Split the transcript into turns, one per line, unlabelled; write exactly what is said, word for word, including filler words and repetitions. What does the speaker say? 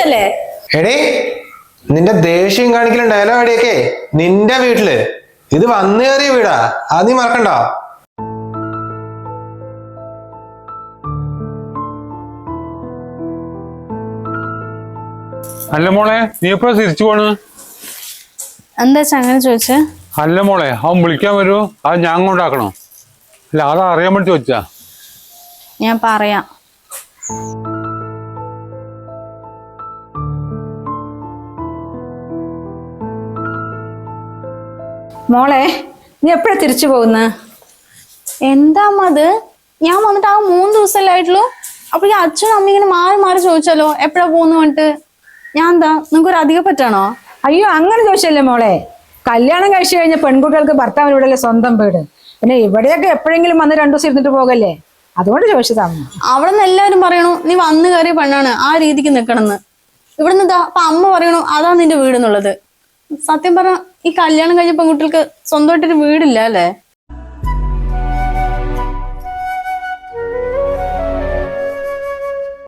ചോദിച്ചല്ലേ?
എടേ നിന്റെ ദേഷ്യം കാണിക്കലും ഡയലോഗടിയൊക്കെ നിന്റെ വീട്ടില്, ഇത് വന്നു കയറിയ വീടാ, അത് നീ മറക്കണ്ട.
അല്ല മോളെ, നീ എപ്പോഴാ തിരിച്ചു പോണ്?
എന്താ അങ്ങനെ ചോദിച്ചേ?
അല്ല മോളെ, അവൻ വിളിക്കാൻ വരുമോ അത് ഞാൻ കൊണ്ടാക്കണോ? അല്ല അത് അറിയാൻ വേണ്ടി ചോദിച്ചാ.
ഞാൻ പറയാം.
മോളെ, നീ എപ്പോഴാ തിരിച്ചു പോകുന്ന?
എന്താ അമ്മ അത്? ഞാൻ വന്നിട്ട് ആ മൂന്ന് ദിവസമല്ലേ ആയിട്ടുള്ളൂ. അപ്പൊ ഈ അച്ഛനും അമ്മ ഇങ്ങനെ മാറി മാറി ചോദിച്ചാലോ എപ്പോഴാ പോകുന്നു പറഞ്ഞിട്ട്. ഞാൻ എന്താ നിങ്ങൾക്കൊരു അധികം പറ്റാണോ?
അയ്യോ, അങ്ങനെ ചോദിച്ചല്ലേ മോളെ. കല്യാണം കഴിച്ചു കഴിഞ്ഞ പെൺകുട്ടികൾക്ക് ഭർത്താവിന് ഇവിടെയല്ലേ സ്വന്തം വീട്. പിന്നെ ഇവിടെയൊക്കെ എപ്പോഴെങ്കിലും വന്ന് രണ്ടു ദിവസം ഇരുന്നിട്ട് പോകല്ലേ, അതുകൊണ്ട് ചോദിച്ചതാണ്.
അവിടെ നിന്ന് എല്ലാവരും പറയണു നീ വന്നു കയറിയ പെണ്ണാണ്, ആ രീതിക്ക് നിക്കണെന്ന്. ഇവിടെ നിന്ന് അപ്പൊ അമ്മ പറയണു അതാ നിന്റെ വീട് എന്നുള്ളത്. സത്യം പറഞ്ഞ ഈ കല്യാണം കഴിഞ്ഞ പെൺകുട്ടികൾക്ക് സ്വന്തമായിട്ടൊരു വീടില്ല അല്ലേ?